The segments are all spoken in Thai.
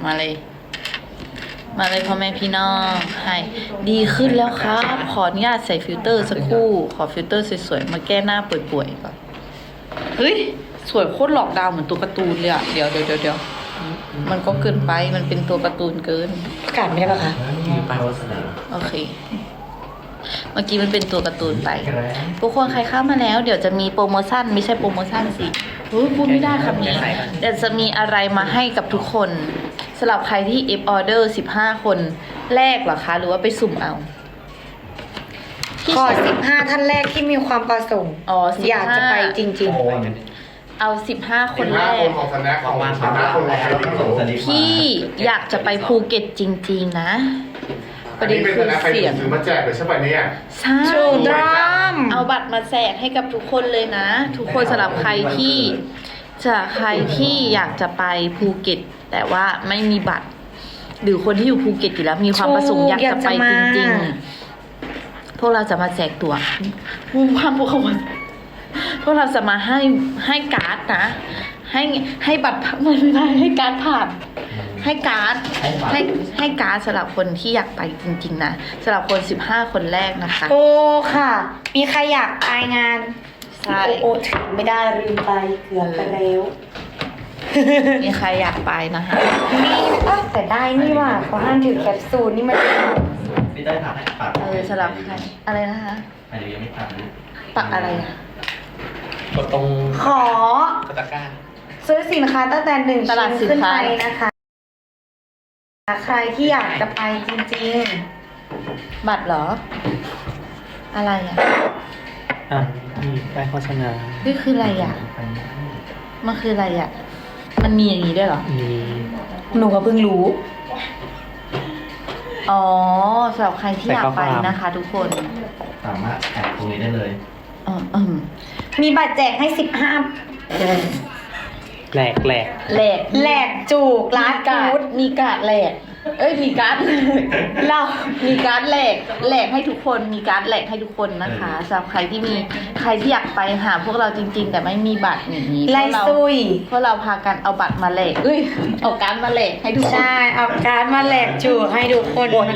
มาเลย มาเลยพ่อแม่พี่น้องให้ดีขึ้นแล้วครับขออนุญาตใส่ฟิลเตอร์สักครู่ขอฟิลเตอร์สวยๆมาแก้หน้าป่วยๆก่อนเฮ้ยสวยโคตรหลอกดาวเหมือนตัวการ์ตูนเลยอะเดี๋ยวมันก็เกินไปมันเป็นตัวการ์ตูนเกินประกาศไม่ได้ปะคะมีป้ายโฆษณาโอเค เมื่อกี้มันเป็นตัวการ์ตูนไปทุกคนใครเข้ามาแล้วเดี๋ยวจะมีโปรโมชั่นไม่ใช่โปรโมชั่นสิพูดไม่ได้คำนี้เดี๋ยวจะมีอะไรมาให้กับทุกคนสำหรับใครที่ F order 15 คนแรกเหรอคะ หรือว่าไปสุ่มเอาขอ15 ท่านแรกที่มีความประสงค์อ๋อ15 อยากจะไปจริงเอา15 คนแรกคนของสแน็คของสแน็คคนของใครที่ส่งสลิปที่อยากจะไปภูเก็ตจริง ๆ นะประเด็นเป็นคือสแน็คใครเสียงซื้อมาแจกเลยใช่ป่ะเนี่ยใช่ๆชูดรามเอาบัตรมาแจกให้กับทุกคนเลยนะ ทุกคนสำหรับใครที่อยากจะไปภูเก็ต แต่ว่าไม่มีบัตร หรือคนที่อยู่ภูเก็ตอยู่แล้วมีความประสงค์อยากจะไปจริงๆพวกเราจะมาแจกตั๋วพวกเราจะมาให้การ์ดนะให้บัตรไม่ได้ให้การ์ดผ่านให้การ์ดให้การ์ดสำหรับคนที่อยากไปจริงๆนะสำหรับคน15 คนแรกนะคะโอ้ค่ะ มีใครอยากไปงานใช่โอ้ถึงไม่ได้ลืมไปเกือบไปแล้วมีใครอยากไปนะคะนี่แต่ได้นี่ว่ะเขาห้ามถือแคปซูลนี่มันไม่ได้ทำให้ปัดสำหรับใครอะไรนะคะอันนี้ยังไม่ปัดนะปักอะไรอะกดตรงขอตะกร้าซื้อสินค้าตั้งแต่1 ตลาดชิ้นสินขึ้นค้าไปนะคะใครที่อยากจะไปจริงบัตรเหรอ อะไรอ่ะอ่ะมีป้ายโฆษณานี่คืออะไรอ่ะมันคืออะไรอ่ะมันมีอย่างนี้ด้วยเหรอมีๆ หนูก็เพิ่งรู้อ๋อสำหรับใครที่อยากไปนะคะ ทุกคนสามารถแอดตรงนี้ได้เลยอืมมีบัตรแจกให้แหลกแหลก 15แหลกจูกร้านการ์ฟู้ดดมีการ์ดแหลกมีการ์ดเรามีการ์ดแหลกให้ทุกคนมีการ์ดแหลกให้ทุกคนนะคะสำหรับใครที่อยากไปหาพวกเราจริง ๆ แต่ไม่มีบัตรอย่างนี้ไล่ซุยพวกเราพากันเอาบัตรมาแหลกเอาการ์ดมาแหลกให้ทุกคนใช่เอาการ์ดมาแหลกจูกให้ทุกคนนะ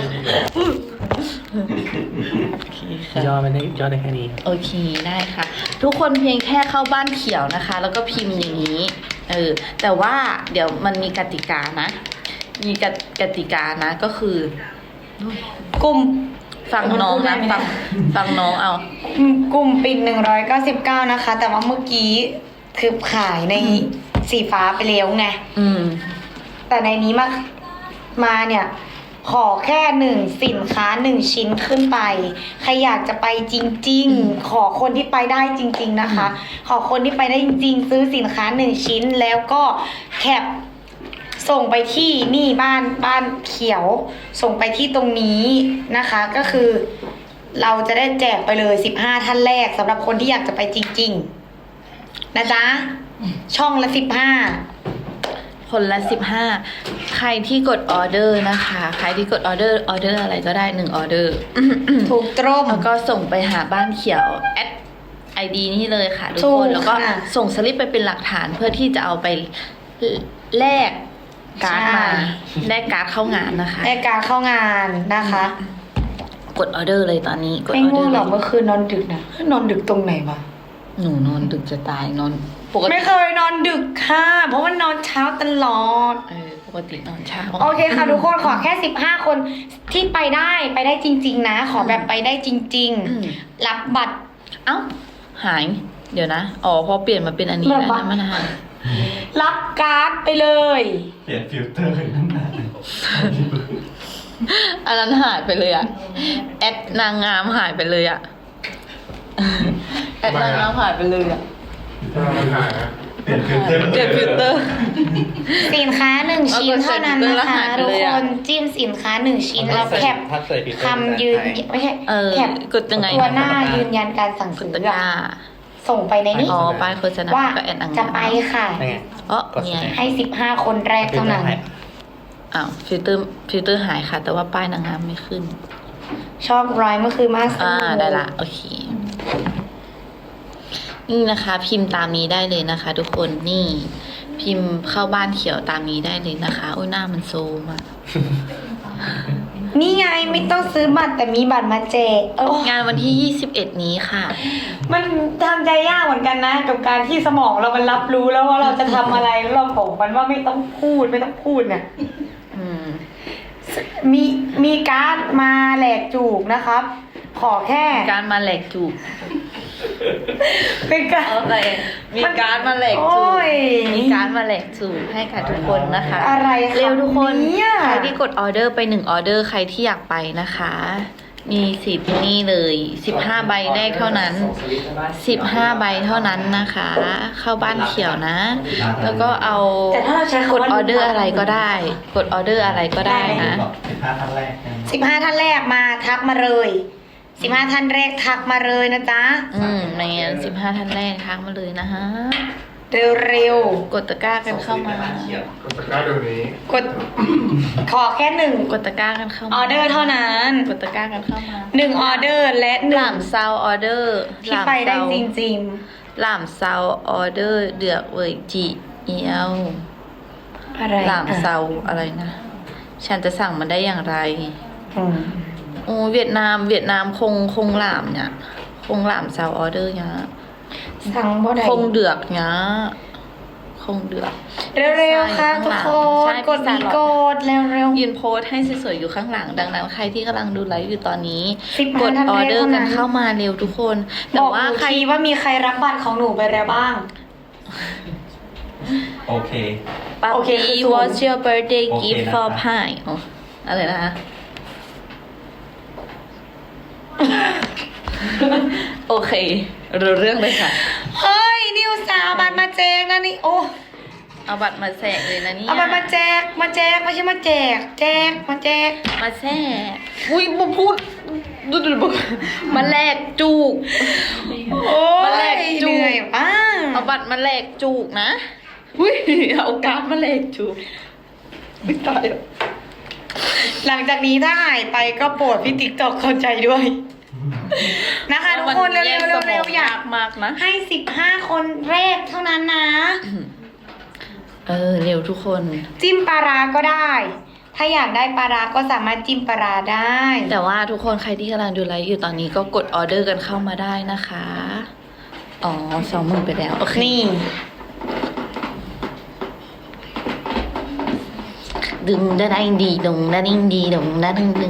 โอเคค่ะย่อได้แค่นี้โอเคได้ค่ะ ทุกคนเพียงแค่เข้าบ้านเขียวนะคะ แล้วก็พิมพ์อย่างนี้แต่ว่าเดี๋ยวมันมีกติกานะ มีกติกานะก็คือกลุ่มฟังน้องนะฟังน้องเอากลุ่มปิด199นะคะ แต่ว่าเมื่อกี้คือขายในสีฟ้าไปแล้วไง แต่ในนี้มาเนี่ย ขอแค่สินค้า1 ชิ้นขึ้นไป ใครอยากจะไปจริงๆ ขอคนที่ไปได้จริงๆนะคะ ขอคนที่ไปได้จริงๆ ซื้อสินค้า1 ชิ้นแล้วก็แคปส่งไปที่นี่บ้านเขียว ส่งไปที่ตรงนี้นะคะ ก็คือ เราจะได้แจกไปเลย15 ท่านแรกสำหรับคนที่อยากจะไปจริงๆนะจ๊ะช่องละ15 คนละ15ใครที่กดออเดอร์นะคะใครที่กดออเดอร์อะไรก็ได้1ออเดอร์ถูกตรงแล้วก็ส่งไปหาบ้านเขียวแอด ID นี่เลยค่ะทุกถูคกนแล้วก็ค่ะส่งสลิปไปเป็นหลักฐานเพื่อที่จะเอาไปแลกการ์ดมาแลกการ์ดเข้างานนะคะในการเข้างานนะคะกดออเดอร์เลยตอนนี้กดอไม่อเดง่อวงร์หรเลอกยเมื่อคืนนอนดึกนะนอนดึกตรงไหนวะหนูนอนดึกจะตายนอนปกติไม่เคยนอนดึกค่ะ เพราะว่านอนเช้าตลอดปกตินอนเช้าโอเคค่ะทุกคนขอแค่15 คนที่ไปได้จริง ๆ นะ ขอแบบไปได้จริง ๆ รับบัตรเอ้าหาย เดี๋ยวนะอ๋อพอเปลี่ยนมาเป็นอันนี้แล้วนะมันหายรับการ์ดไปเลยเปลี่ยนฟิลเตอร์นั่นแหละอันนั้นหายไปเลยอะแอดนางงามหายไปเลยอะแอดนางงามหายไปเลยอะมันหายนะเปลี่ยนฟิลเตอร์เปลี่ยนฟิลเตอร์สินค้า1 ชิ้นเท่านั้นนะคะเอากดใส่ทุกเลยคอะนจิ้มสินค้า1 ชิ้นแล้วแคปถ้าใส่ฟิลเตอร์คำยืนไม่ใช่แคปกดยังไงตัวหน้ายืนยันการสั่งกดซื้อตะกร้าส่งไปในนี้อ๋อป้ายโฆษณาว่าก็แอดนางจะงามไปค่ะนี่ไงอ๋อเนี่ยให้15 คนแรกเท่านั้นอ้าวฟิลเตอร์หายค่ะ แต่ว่าป้ายนางงามไม่ขึ้นชอบรอยเมื่อคืนมากสุดได้ละโอเค นี่นะคะ พิมพ์ตามนี้ได้เลยนะคะ ทุกคนนี่พิมพ์เข้าบ้านเขียวตามนี้ได้เลยนะคะโอ้ยหน้ามันโซมอะนี่ไงไม่ต้องซื้อบัตรแต่มีบัตรมาแจกงานวันที่ 21 นี้ค่ะมันทำใจยากเหมือนกันนะ กับการที่สมองเรามันรับรู้แล้วว่าเราจะทำอะไรแล้วเราบอกมันว่าไม่ต้องพูดเนี่ยอืมมีการ์ดมาแหลกจูกนะครับ ขอแค่การมาแหลกจูบเป็นการอะไรมีการมาแหลกจูโอ้บยมีการมาแหลกจูบให้กับทุกคนนะคะอะไรคะเร็วทุกคนเนี่ยใครที่กดออเดอร์ไป1ออเดอร์ใครที่อยากไปนะคะ มีสิทธิ์นี่เลย15ใบแรกเท่านั้น15ใบเท่านั้นนะคะ เข้าบ้านเขียวนะ แล้วก็เอาแต่ถ้าเราใช้กคำดว่าออเดอร์อะไรก็ได้ กดออเดอร์อะไรก็ได้นะ 15ท่านแรกกัน 15 ท่านแรกมาทักมาเลย15 ท่านแรกทักมาเลยนะจ๊ะในงาน15ท่านแรกทักมาเลยนะฮะเร็วกดตะกร้ากันเข้ามากดตะกร้าเดี๋ยวนี้ๆกดขอแค่หนึ่งกดตะกร้ากันเข้ามาออเดอร์เท่านั้นกดตะกร้ากันเข้ามาหนึ่งออเดอร์และหหนึ่ลาง มเซาออเดอร์ที่ไปได้จริงหลามเซาออเดอร์เดือกเวยจีเอียวๆอะไรหลามเซาอะไรนะ ฉันจะสั่งมันได้อย่างไรอืมโอ้เวียดนามคงหลามเนี่ยคงหลามเซาออเดอร์เนี่ยสั่งบ่ได้คงเดือกเนี่ยคงเดือกเร็วๆค่ะทุกคนใช่กดมีกดเร็วยืนโพสต์ให้สวยๆอยู่ข้างหลัง ดังนั้นใครที่กำลังดูไลฟ์อยู่ตอนนี้ 15 กดท่านอแรอก เดอร์กันเท่านั้นเข้ามาเร็วทุกคนๆแต่บอกว่าหนูใครทีว่ามีใครรับบัตรของหนูไปแล้วบ้างโอเคปั๊บโอเคคือปี้ศูนย์ what's your birthday โอเค gift นะคะ for pie อ๋ออะไรนะคะ โอเครู้เรื่องเลยค่ะเฮ้ยนิวสาวบัตรมาแจกนะนี่โอ้เอาบัตรมาแสกเลยนะเนี่ยเอาบัตรมาแจกไม่ใช่มาแจกมาแจกมาแสกอุ้ยมาพูดดูมาแลกจูกโอ้มาแลกยจูเหนื่อยป้าเอาบัตรมาแลกจูกนะอุ้ยเอาการ์ดมาแลกจูกไม่ตายหรอกหลังจากนี้ถ้าหายไปก็โปรดพี่ติ๊กตอกเข้าใจด้วย นะคะทุกคนเร็วๆอยากมากนะให้15 คนแรกเท่านั้นนะเร็วทุกคนจิ้มปลาร้าก็ได้ ถ้าอยากได้ปลาร้าก็สามารถจิ้มปลาร้าได้แต่ว่าทุกคนใครที่กำลังดูไลฟ์อยู่ตอนนี้ก็กดออเดอร์กันเข้ามาได้นะคะ อ๋อ20,000ไปแล้ว โอเคนี่ดึงได้ได้ดีดงได้ดิ้งดีดงได้ดึงดึง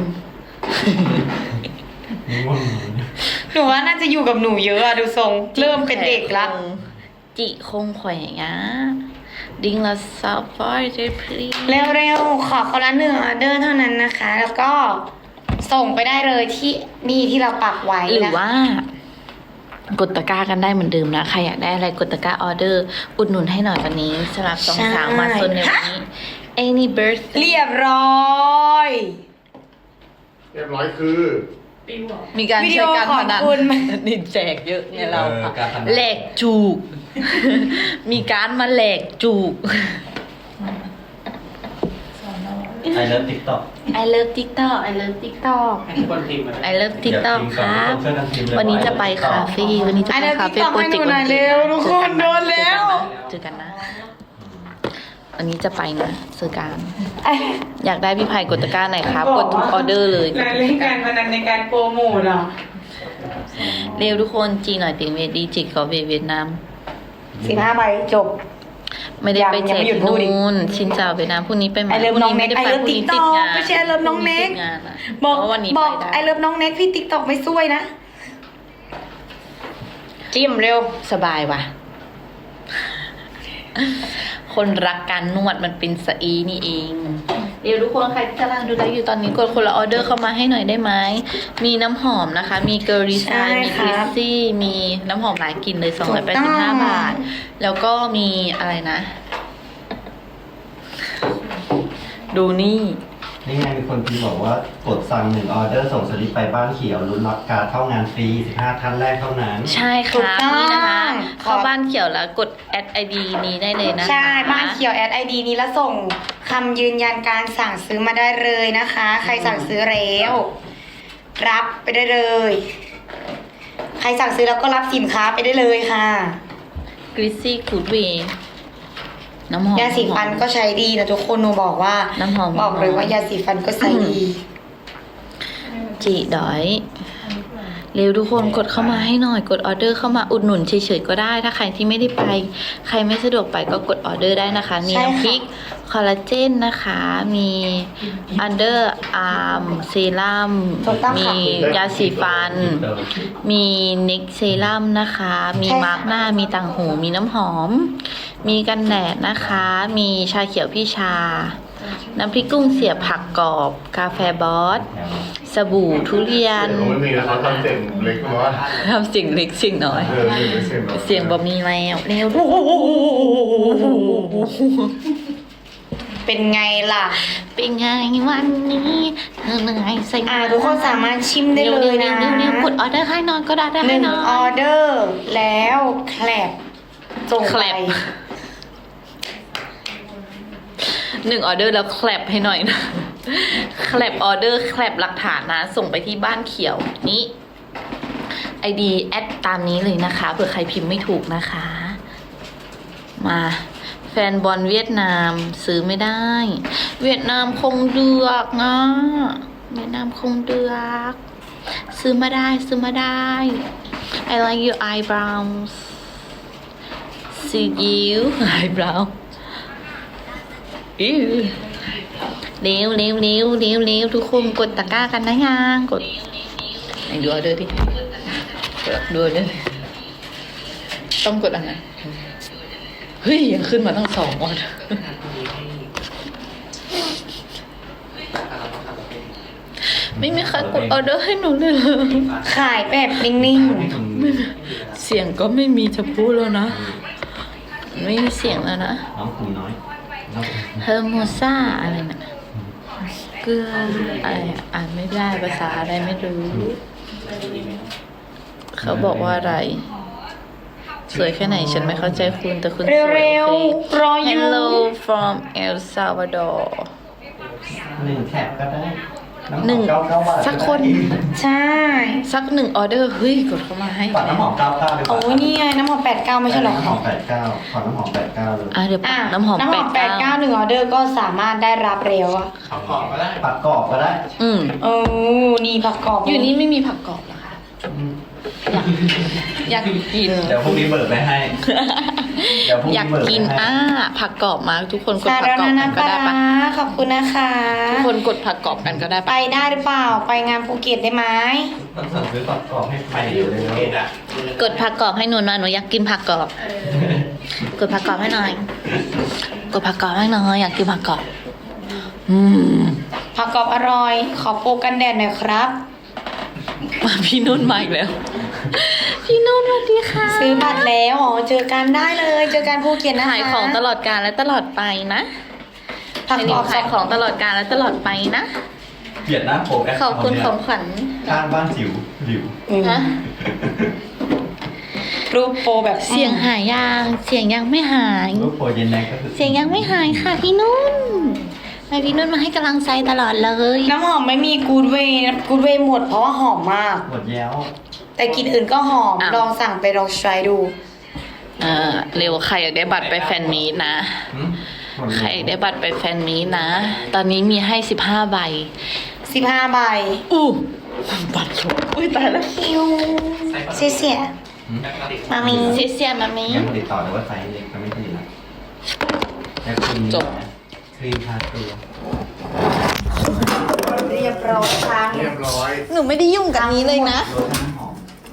ง่วงหนูว่าน่าจะอยู่กับหนูเยอะอะดูทรง เริ่มเป็นเด็กละจิคงแขวงอ่ะดิ้งละซับฟอร์เจพลีเร็วๆ ขอคนละ1 ออเดอร์เท่านั้นนะคะ แล้วก็ส่งไปได้เลยที่นี่ที่เราปักไว้หรือนะว่า กดตะกร้ากันได้เหมือนเดิมนะ ใครอยากได้อะไรกดตะกร้าออเดอร์ อุดหนุนให้หน่อยวันนี้สำหรับสองสาวมาซนในวันนี้ Any birthday เรียบร้อยเรียบร้อยคือมีการวิดีใช้โอการขอพบนันคุณนี่แจกเยอะไงเราการพนันแหลกจูก มีการมาแหลกจูกไอเลิฟติ๊กต็อก I love TikTok I love TikTok I love TikTok ครับ วันนี้จะไปคาเฟ่วันนี้จะไปคาเฟ่ I love TikTok โปรเจกต์ให้หนูหน่อยเร็วทุกคนโดนแล้วเจอกันนะ วันนี้จะไปนะเจอกันไอ้อยากได้พี่ไผ่กดตะกร้าไหนครับ กดทุกออเดอร์เลยรายเล่นการพนันในการโปรโมทเหรอเร็วทุกคนจีหน่อยติงเวดีจิกกอเวียดนาม 15 ใบจบไม่ได้ไปแจกยังไม่หยุดที่พูดอีกนู่นชินเจ้าเวียดนามพรุ่งนี้ไปไหมไอเลิฟพรุ่น้องไม่เน็กได้ไอไปเลิฟพรุ่งติ๊กนี้ต็ติอดกงานไม่ใช่ไอเลิฟน้องเน็กติดงานอะบอกเพราะวันนี้บอกไปได้ไอเลิฟน้องเน็กพี่ติ๊กต็อกไม่ซวยนะ จิ้มเร็วสบายว่ะ คนรักการนวดมันเป็นสอีนี่เอง เดี๋ยวทุกคนใครที่กำลังดูไลฟ์อยู่ตอนนี้กดคนละออเดอร์เข้ามาให้หน่อยได้ไหม มีน้ำหอมนะคะ มีเกอริซายมีคริสซี่ มีน้ำหอมหลายกลิ่นเลย285 บาท แล้วก็มีอะไรนะ ดูนี่นี่ไงมีคนพิมพ์บอกว่ากดสั่ง1ออเดอร์ส่งสลิปไปบ้านเขียวลุ้นรับการ์ดเข้างานฟรี15ท่านแรกเท่านั้นใช่คถูกรับต้องนี่นะคะ เข้าบ้านเขียวแล้วกดแอด ID นี้ได้เลยนะคะใช่ บ้านเขียวแอดไอดีนี้แล้วส่งคำยืนยันการสั่งซื้อมาได้เลยนะคะ ใครสั่งซื้อแล้วรับไปได้เลย ใครสั่งซื้อแล้วก็รับสินค้าไปได้เลยค่ะกริซซี่กูดเวน้ำหอมยาสีฟันก็ใช้ดีนะทุกคนหนูบอกว่าน้ำหอมบอกเลยว่ายาสีฟันก็ใช้ดีจีดอยเร็วทุกคนกดเข้ามาให้หน่อยกดออเดอร์เข้ามาอุดหนุนเฉยๆก็ได้ถ้าใครที่ไม่ได้ไป ใครไม่สะดวกไปก็กดออเดอร์ได้นะคะ มีใช่ค่ะน้ำพริกคอลลาเจนนะคะ มีอันเดอร์อาร์มเซรั่มถูกต้องมีค่ะยาสีฟัน มีเน็กเซรั่มนะคะ มีใช่ค่ะมาร์กหน้ามีต่างหู มีน้ำหอม มีกันแดดนะคะ มีชาเขียวพี่ชา น้ำพริกกุ้งเสียบผักกรอบ กาแฟบอส สบู่ทุเรียนเดี๋ยวไม่มีแล้วเขาทำเสียงเล็กน้อยทำเสียงเล็กเสียงน้อยเสียงน้อยเสียงบ่มีแล้วเร็วเป็นไงล่ะเป็นไงวันนี้เธอเหนื่อยใส่ทุกคนสามารถชิมได้เลยนะเร็วๆกดออเดอร์ให้นอนก็ได้หให้นึ่งนอออน เดอร์แล้วแคลบส่งแคไปลบ หนึ่งออเดอร์แล้วแคลปให้หน่อยนะแคลปออเดอร์แคลปหลักฐานนะ ส่งไปที่บ้านเขียวนี้ ID แอดตามนี้เลยนะคะเผื่อใครพิมพ์ไม่ถูกนะคะ มาแฟนบอลเวียดนามซื้อไม่ได้ เวียดนามคงเดือกนะเวียดนามคงเดือกซื้อมาได้ซื้อมาได้ I like your eyebrows see you eyebrow อิ๊วเร็วเร็วเร็วเร็วเร็วทุกคนกดตะกร้ากันนะยังกดไหนดูออเดอร์ดิดูออเดอร์ดิต้องกดอันไหนเฮ้ยยังขึ้นมาตั้ง2 ออเดอร์ไม่มีใครกดออเดอร์ให้หนูเลยเหรอขายแบบนิ่งเสียงก็ไม่มีจะพูดแล้วนะ ไม่มีเสียงแล้วนะน้องคุณน้อยน้องเฮอร์โมซ่าอะไรนะเกลืออะไรอะอ่านไม่ได้ภาษาอะไรไม่รู้ เขาบอกว่าอะไร สวยแค่ไหนฉันไม่เข้าใจคุณแต่คุณๆสวยเร็วโอเคๆรออยู่ Hello from El Salvador 1 แคปก็ได้น้ำหหนึ่อมง 99 บาทสักคนใช่สัก1 ออเดอร์เฮ้ยกดเข้ามาให้ฝากน้ำหอม99เลยโอ้ยนี่ไงน้ำหอม89ไม่ใช่เหรอน้ำหอม89ขอน้ำหอม89เลยอ่ะเดี๋ยวปักน้ำหอม 89หนึ่งออเดอร์ก็สามารถได้รับเร็วอะขับกรอบก็ได้ปักกรอบก็ได้อืมโอ้นี่ผักกรอบอยู่นี่ไม่มีผักกรอบเหรอคะ อยากกินเดี๋ยวพรุ่งนี้เบิกไปให้ เดี๋ยวพรุ่งอยานี้กเบิกไปกินให้ผักกรอบมาทุกคนกดสาผักรกรอบนากันนาก็ปลาได้ปะร้าขอบคุณนะคะทุกคนกดผักกรอบกันก็ได้ไปปะได้หรือเปล่า ไปงานภูเก็ตได้ไหมต้องสั่งซื้อปักกรอบให้ไปอยู่เลยนะกดผักกรอบให้หนูหน่อยหนูอยากกินผักกรอบ กดผักกรอบให้หน่อย กดผักกรอบให้หน่อยอยากกินผักกรอบ อืมผักกรอบอร่อย ขอโปรกันแดดหน่อยครับมาพี่นุ่นมาอีกแล้ว พี่นุ่นสวัสดีค่ะซื้อบัตรแล้วอ๋อเจอกันได้เลย เจอกันภูเก็ตนะคะขายของตลอดกาลและตลอดไปนะผักกรอบขายของตลอดกาลและตลอดไปนะเกลียดหน้าผมแขอบคุณของขวัญข้างบ้านจิ๋วหลิวอืมนะรูปโปรแบบเสียงหายยังเสียงยังไม่หายรูปโปรเย็นแนกก็คือเสียงยังไม่หายค่ะพี่นุ่นให้พี่นุ่นมาให้กำลังใจตลอดเลยน้ำหอมไม่มีกูดเวย์กูดเวย์หมดเพราะว่าหอมมากหมดแย้วแต่กลิ่นอื่นก็หอมอ่ะลองสั่งไปลองใช้ดูเร็วใครอยากได้บัตรไปแฟนมีตนะหึหมดใครอยากได้บัตรไปแฟนมีตนะ ตอนนี้มีให้15 ใบ 15 ใบอู้บัตรหมดอุ้ยตายแล้วคิวเสียเสียหึมามีเสียเสียมามียังติดต่อเลยว่าไซส์เล็กก็ไม่ผลิตละแล้วครีมจบครีมทาตัวเรียบร้อยครั้งเรียบร้อยหนูไม่ได้ยุ่งกับนี้เลยนะโลชั่นน้ำหอม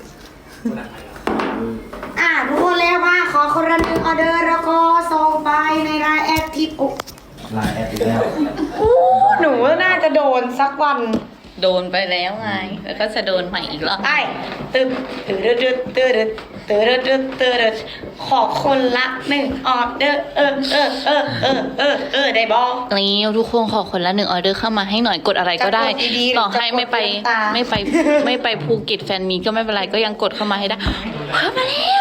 ทุกคนแล้วว่าขอคนละ1 ออเดอร์แล้วก็ส่งไปในรายแอดที่ปุ๊บลายแอปอีกแล้วหนูว่าน่าจะโดนสักวันโดนไปแล้วไง แล้วก็จะโดนใหม่อีกรอบไอ้ตึ๊บตึ๊ดตึ๊ดตึ๊ดตึ๊ดตึ๊ดตึ๊ดขอคนละ1 ออเดอร์ได้บอนี่ทุกคนขอคนละ1 ออเดอร์เข้ามาให้หน่อยกดอะไรก็ได้จะกดดีๆต่อให้ไม่ไปหรือจะกดตามไม่ไปภูเก็ตแฟนมีตก็ไม่เป็นไรก็ยังกดเข้ามาให้ได้เข้ามาแล้ว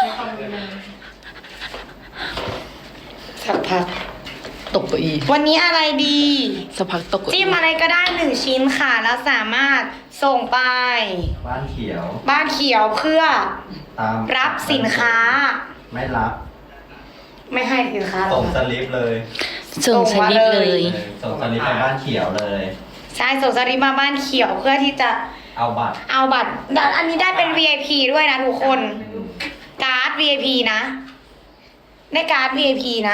สักพักตกเก้าอี้วันนี้อะไรดีสักพักตกเก้าจิ้อี้มอะไรก็ได้1 ชิ้นค่ะ แล้วสามารถส่งไปบ้านเขียวบ้านเขียวเพื่อตามรับสินค้าไม่รับไม่ให้สินค้าหรอส่งกสลิปเลยส่งสลิปเลยส่งสลิปไปบ้านเขียวเลยใช่ส่งสลิปมาบ้านเขียวเพื่อที่จะเอาบัตรเอาบัตรอันนี้ได้เป็น VIP ด้วยนะทุกคน การ์ด VIP นะ ได้การ์ด VIP นะ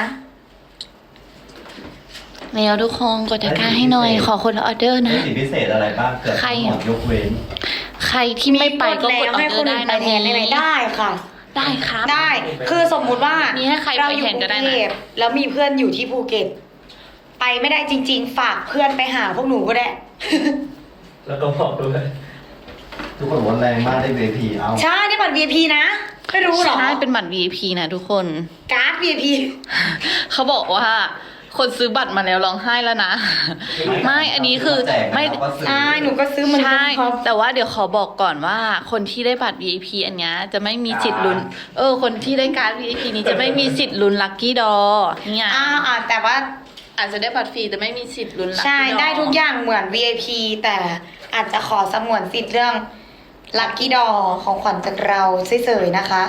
แล้วทุกคนกดตะกร้าให้หน่อย ขอคนละออเดอร์นะมีสิทธิพิเศษอะไรบ้างเกิดใครทั้งหมดยกเว้นใครที่ไม่ไปก็กดออให้เดคอน ร์อื่ได้นไปนะแทนได้ไหมได้ค่ะได้ครับได้ คือสมมุติว่ามีให้ใครไปเราอยู่แทนกก็รุได้งนะเทพแล้วมีเพื่อนอยู่ที่ภูเก็ต ไปไม่ได้จริง ๆ ฝากเพื่อนไปหาพวกหนูก็ได้แล้วก็บอกด้วยทุกคนบอกว่าแรงมากได้ VIP เอาใช่ได้บัตร VIP นะ ไม่รู้เหรอใช่เป็นบัตร VIP นะทุกคนการ์ด VIP เขาบอกว่า คนซื้อบัตรมาแล้วร้องไห้แล้วนะ ไม่อันนี้คือไม่ใช่หนูก็ซื้อเหมือนกัใช่ครับแต่ว่าเดี๋ยวขอบอกก่อนว่า คนที่ได้บัตร VIP อันเนี้ยจะไม่มีสิทธิ์ลุ้น คนที่ได้การ์ด VIP นี้จะไม่มีสิทธิ์ลุ้นลัคกี้ดอเนี่ยแต่ว่าอาจจะได้บัตรฟรีแต่ไม่มีสิทธิ์ลุ้นลัคกี้ดอใช่ได้ทุกอย่างเหมือน VIP แต่อาจจะขอสงวนสิทธิ์เรื่องลัคกี้ดอของขวัญจากเราเฉยๆนะคะ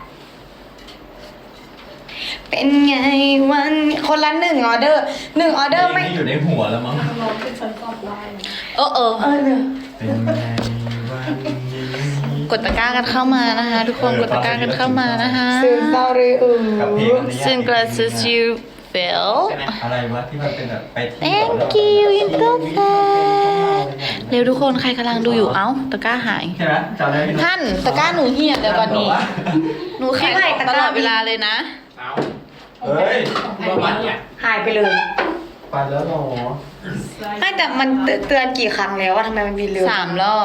เป็นไงวันคนละ1 ออเดอร์1 ออเดอร์ไม่อยู่ในหัวแล้วมั้งเออเป็นไงวันนี้กดตะกร้ากันเข้ามานะคะ ทุกคนกดตะกร้ากันเข้ามานะคะซื้อเศร้าเลยกับเพลงอันนี้ Soon glasses you feel อะไรวะที่มันเป็นแบบไปที่ Thank you you so fast เร็วทุกคนใครกำลังดูอยู่เอ้าตะกร้าหายใช่ไหมจำได้ไหมท่านตะกร้าหนูเหี่ยเดี๋ยวก่อนนี้หนูขายของตลอดเวลาเลยนะเฮ้ยหายไปเลยไปแล้วเหรอไม่แต่มันเตือนกี่ครั้งแล้วว่าทำไมมันบินเร็ว 3 รอบ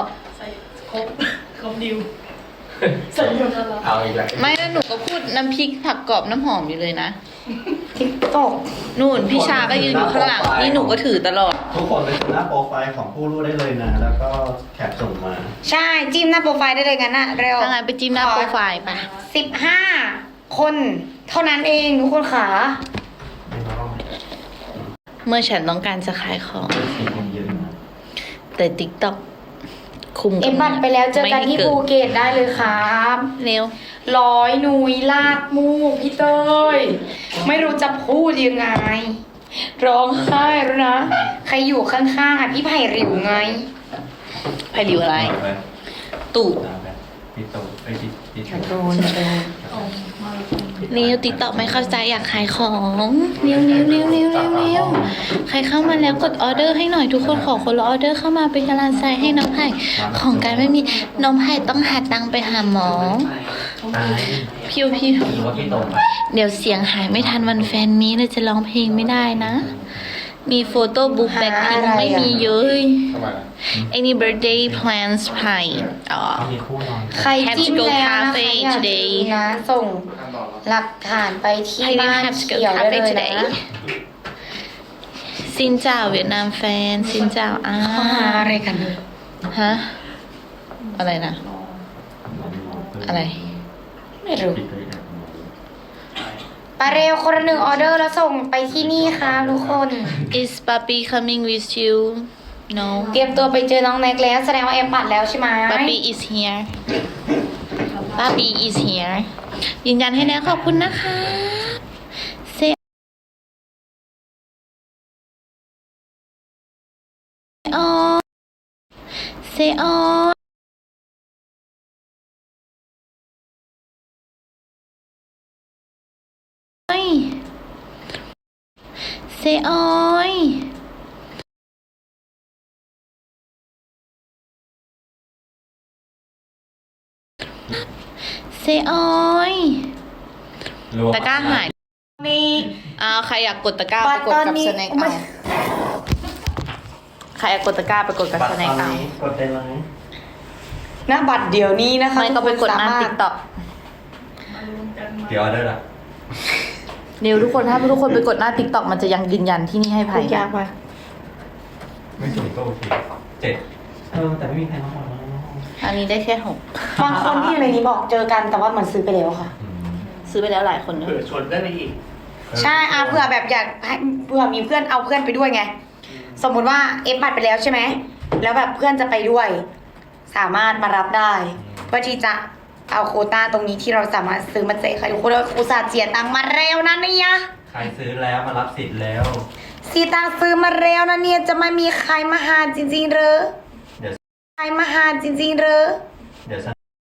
เอาอีกแล้วไม่แล้วหนูก็พูดน้ำพริกผักกรอบน้ำหอมอยู่เลยนะทิกตอกนู่นพี่ชาก็ยืนอยู่ข้างหลังนี่หนูก็ถือตลอดทุกคนไปดูหน้าโปรไฟล์ของผู้รู้ได้เลยนะ แล้วก็แคปส่งมาใช่จิ้มหน้าโปรไฟล์ได้เลยกันนะเร็วถ้างั้นไปจิ้มหน้าโปรไฟล์ไป 15 คนเท่านั้นเองทุกคนขาเมื่อฉันต้องการจะขายของมีคนเยอะนะแต่ TikTok คุมเอ็มบัตรไปแล้วเจอกันที่ภูเก็ตได้เลยครับเร็วร้อยหนุยลากมูกพี่เต้ยไม่รู้จะพูดยังไง ร้องไห้แล้วนะ ใครอยู่ข้างๆอ่ะพี่ไผ่ริวไงไผ่ริวอะไรไปตู่ไปพี่โตไปพี่อย่าโตโดนอย่าโดนเร็ว TikTok ไม่เข้าใจอยากขายของเร็วเร็วเร็วเร็วเร็วเร็วใครเข้ามาแล้วกดออเดอร์ให้หน่อยทุกคนขอคนละออเดอร์เข้ามาเป็นกำลังใจให้น้องไผ่ของการไม่มีน้องไผ่ต้องหาตังค์ไปหาหมอตายพิวพิวหรือว่าพี่โตไปเดี๋ยวเสียงหายไม่ทันวันแฟนมีเลยจะร้องเพลงไม่ได้นะ มีโฟโต้บุ๊กแบ็คพิงไม่มีเยอะทำไม Any birthday plans ไผ่อ๋อเขามีคู่นอนใครจิ้มแล้วนะคะ Have to go cafe อยาก today ดูนะส่งหลักฐานไปที่ I didn't บ้าน have to go เขียวได้ cafe เลย today นะซินเจ้าเวียดนามแฟนซินเจ้าอ้าข้อหาอะไรกันเนี่ยฮะ อะไรนะ อะไรไม่รู้ไปเร็วคนละ1 ออเดอร์แล้วส่งไปที่นี่ค่ะทุกคน Is Papi coming with you No เตรียมตัวไปเจอน้องแน็กแล้วแสดงว่าเอ็มปัดแล้วใช่ไหม Papi is here Papi is here ยืนยันให้แล้วขอบคุณนะคะเซออนเซออนเซออยเซออยตะกร้าหายนี่ใครอยากกดตะกร้าไปกดตอนกับนี้สแน็คเอาใครอยากกดตะกร้าไปกดกับบัตสรตแน็คอนเอานี้กดได้ไหมหน้าบัตรเดี๋ยวนี้นะคะไม่ก็ไปกดหน้าทุติ๊กต็อกเดี๋ยวออเดอร์ละเร็วทุกคนถ้าทุกคนไปกดหน้าติ๊กต็อกมันจะยังยืนยันที่นี่ให้พูภัยดยากไปไม่สูงก็โอเค7แต่ไม่มีใครมาบอกแล้วอันนี้ได้แค่6 บางคนที่อยู่ในนี้บอกเจอกันแต่ว่าเหมือนซื้อไปแล้วค่ะซื้อไปแล้วหลายคนเนอะเผื่อชนได้ไปอีกใช่เผื่อแบบอยากให้เผื่อมีเพื่อนเอาเพื่อนไปด้วยไง สมมุติว่าเอฟบัตรไปแล้วใช่ไหมแล้วแบบเพื่อนจะไปด้วย สามารถมารับได้ เพื่อที่จะเอาโควต้าตรงนี้ที่เราสามารถซื้อมาแจกใครทุกคนอุตส่าห์เจียตังค์มาแล้วนะเนี่ยใครซื้อแล้วมารับสิทธิ์แล้วสีตังค์ซื้อมาแล้วนะเนี่ยจะไม่มีใครมาหาจริงๆเหรอเดี๋ยวใครมาหาจริงๆเหรอเดี๋ยว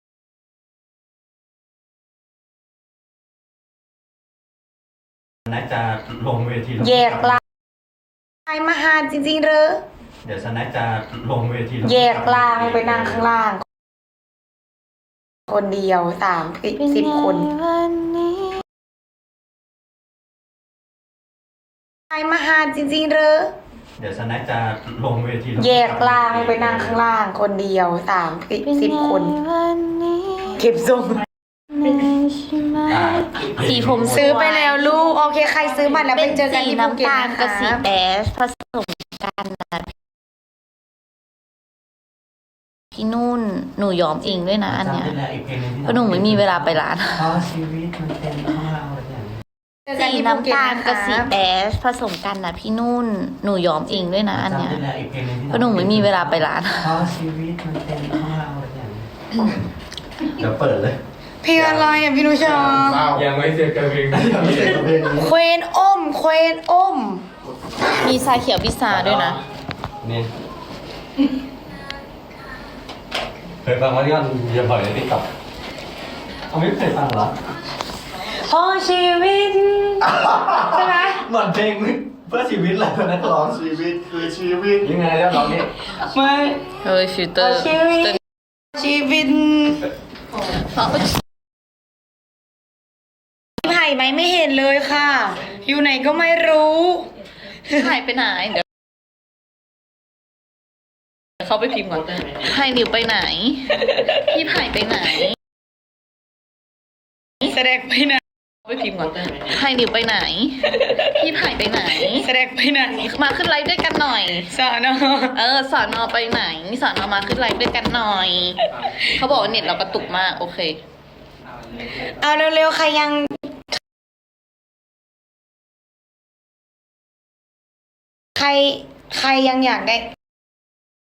น่าจะลงเวทีแยกลางใครมาหาจริงๆเหรอเดี๋ยวน่าจะลงเวทีแยกลางไปนั่งข้างล่าง คนเดียว30 คนใครมาหาจริงๆเหรอเดี๋ยวน่าจะลงเวทีแยกลางไปนั่งข้างล่าง คนเดียว30 คนเก็บทรงสีผมซื้อไปแล้วลูก โอเค ใครซื้อมาแล้วไปเจอกันที่ภูเก็ตน้ำตาลนะกับสีคะแดชผสมกันนะพี่นุ่นหนูยอมเองด้วยนะอันเนี้ยจำได้แล้วอีกเพลงนึงที่เพราะหนูไม่มีเวลาไปร้านเพราะชีวิตมันเป็นของเราอย่างนี้เจอกันสีที่ภูเก็ตน้ำตาลนะกับคะสีแดชผสมกันนะพี่นุ่นหนูยอมเองด้วยนะอันเนี้ยจำได้แล้วอีกเพลงนึงที่เพราะหนูไม่มีเวลาไปร้านเพราะชีวิตมันเป็นของเราอย่างนี้เดี๋ยวเปิดเลยเพลงอะไรอ่ะพี่นุชาเศร้ายังไม่เสร็จกับเพลงไม่เสร็จกับเพลงนี้เควนอ้มเควนอ้มมีชาเขียวพิซซ่าด้วยนะนี่เคยฟังว่าที่มันเยอะบ่อยในติ๊กต็อกเขาไม่เคยฟังเหรอพอชีวิต ใช่ไหมเหมือนเพลงเพื่อชีวิตเลยนักร้องชีวิตคือชีวิตยังไงแล้วร้องนี่ไม่เฮ้ยฟิลเตอร์ชีวิต ชีวิตพี่ไผ่ไหมไม่เห็นเลยค่ะ อยู่ไหนก็ไม่รู้หายไปไหนเดี๋ยวเขาไปพิมพ์ก่อนไผ่นิวไปไหน พี่ไผ่ไปไหนแสดงไปไหนเขาไปพิมพ์ก่อนไผ่นิวไปไหน พี่ไผ่ไปไหนแสดงไปไหนมาขึ้นไลฟ์ด้วยกันหน่อยสอนอสอนอไปไหนสอนอมาขึ้นไลฟ์ด้วยกันหน่อย เขาบอกว่าเน็ตเรากระตุกมากโอเคเอาเร็วๆใครยัง ใครยังอยากได้